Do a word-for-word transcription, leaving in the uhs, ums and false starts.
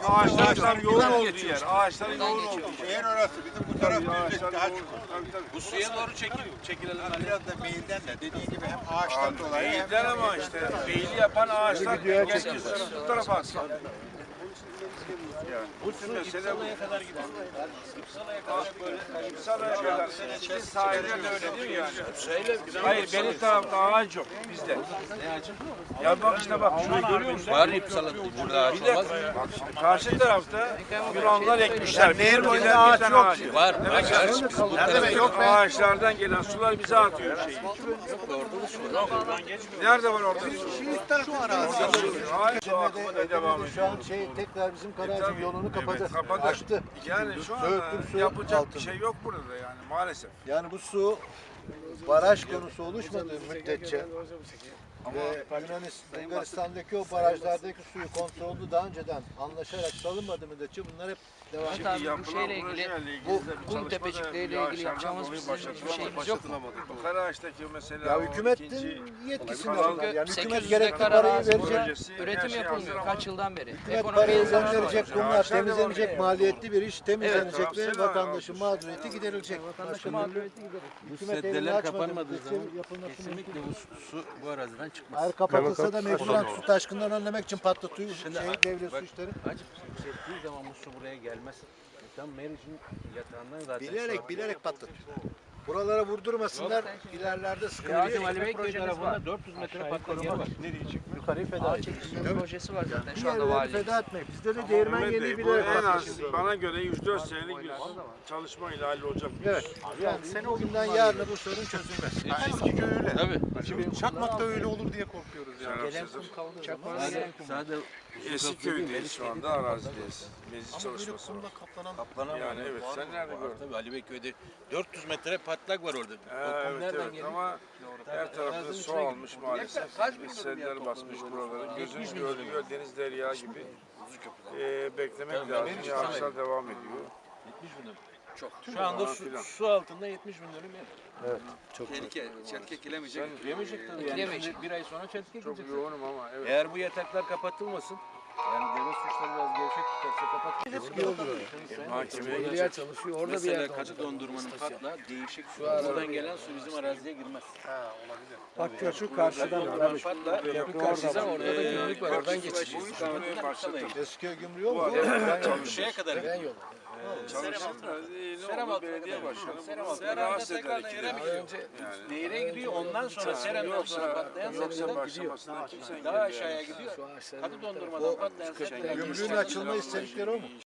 Ağaçlar tam yoğun olduğu yer. Ağaçların yoğun olduğu yer. Şehir orası. Bizim bu taraf düzlük. Daha çok. Bu suya doğru çekil, çekilelim. Biraz da meyilden de dediğin gibi hem ağaçtan dolayı hem Meyilden ama işte meyili yapan ağaçlar dengesiz. Bu tarafa atsın. Yani bu tür mesele bu. kadar gidiyor. İpsala'ya kadar. Sizin sahilde de öyle değil mi yani? Hayır benim tarafta ağaç yok bizde. Ne ağacı? Ya bak işte bak şurayı görüyor musun? Var İpsala burada ağaç Bir de olmaz. bak şimdi karşı tarafta Yunanlar ekmişler. Nehir boyunda ağaç yok. Var. Var. Nerede yok ağaçlardan gelen sular bize atıyor şeyi. Orada da su var. Nerede var orada? şu arazi. Ağaç o akıma da devam ediyor. Şu an şey tekrar bizim Karacı yolunu kapatır. Kapadı. Açtı. Yani şu anda Söğütlük su yapacak altında. bir şey yok burada yani maalesef. Yani bu su baraj konusu oluşmadığı müddetçe ve Yunanistan, Bulgaristan'daki o barajlardaki suyu kontrollü daha önceden anlaşarak salınmadığı müddetçe bunlar hep devam Evet ediyor. abi bu Yapılan şeyle ilgili, projeyle bu ilgili de bir kum çalışma da tepecikleriyle ilgili yağışlardan yapacağımız dolayı bizim başlatılamadı. bir şeyimiz yok mu? Bu Karaağaç'taki mesela Ya o hükümetin ikinci yetkisinde Çünkü bunlar. Yani sekiz hükümet yüz gerekli dekar parayı arazi verecek. projesi, her Üretim şey yapılmıyor hazır ama kaç yıldan beri. Hükümet Ekonomiye parayı zarar gönderecek, oluyor. bunlar Ağaçlar devam temizlenecek, ediyor. maliyetli bir iş temizlenecek Evet, ve tamam, vatandaşın sen- mağduriyeti giderilecek. Vatandaşın mağduriyeti giderir. Bu Hükümet elini seddeler açmadı, kapanmadığı müddetçe zaman yapılması kesinlikle bu su, su bu araziden çıkmaz. Eğer kapatılsa da mecburen su taşkınlarını önlemek için patlatıyor şey, devlet su bak, işleri. Acık çektiği zaman bu su buraya gelmez. Tam Meriç'in yatağından zaten. Bilerek bilerek patlatıyor. Buralara vurdurmasınlar, ilerlerde sıkıntı Ya yok. bizim Ali Beyköy projeniz tarafında var. dört yüz metre patlak yer var. Yukarıyı feda Ağaç edecek. çekilme projesi var zaten Bir şu anda yerleri valilik. feda etmek. Bizde de değirmen Mehmet yeni Bey, bu bilerek en az patlatıyor. bana göre yüz dört senelik bir çalışmayla hallolacak bir Evet. iş. Yani sene o günden yarına bu sorun çözülmez. Eski köy öyle. Tabii. Şimdi Çakmak'ta öyle olur diye korkuyoruz yani. Gelen kum Sadece, sadece Eski köydeyiz şu anda arazideyiz. Meclis çalışması var. Kaplanan Yani evet sen nerede gördün? tabii Ali Beyköy'de dört yüz metre patlak var orada. Ha, O kum evet nereden evet geliyor? ama her tarafta su almış maalesef. Seller basmış buraları. Gözün gördüğü göl deniz derya gibi. Ee, beklemek lazım. Yağışlar devam ediyor. yetmiş bin dönüm. Çok. Şu anda su, su altında yetmiş bin dönüm yer. Tehlike, çelke ekilemeyecek. Yemeyecek tabii. Yani Ekilemeyecek. şimdi bir ay sonra çeltik Çok ekilecek. yoğunum ama evet. Eğer bu yataklar kapatılmasın, yani devlet suçları biraz gevşek tutarsa kapatılmasın. Mahkemeye Yer gidecek. çalışıyor. Orada bir yer kaçı dondurmanın patla değişik su. Buradan gelen su bizim araziye girmez. Bak şu karşıdan Dondurmanın patla. Karşıdan orada da gümrük var. Oradan geçecek. Bu iş kalmaya başladı. eski gümrüğü yok mu? Şeye kadar gidiyor. Çalıştım da e, ne Serem oldu altına belediye kadar. başkanı Serem bunu altına rahatsız tekrar ederek nehire mi gidemiyor. gidiyor? Yani Nehire gidiyor ondan sonra Serem'den sonra yoksa patlayan yoksa sedyeler başlamasında kimse daha engelleyen aşağıya gidiyor. Hadi dondurmadan patlayan sedyeler. Gümrüğün açılma istedikleri o mu?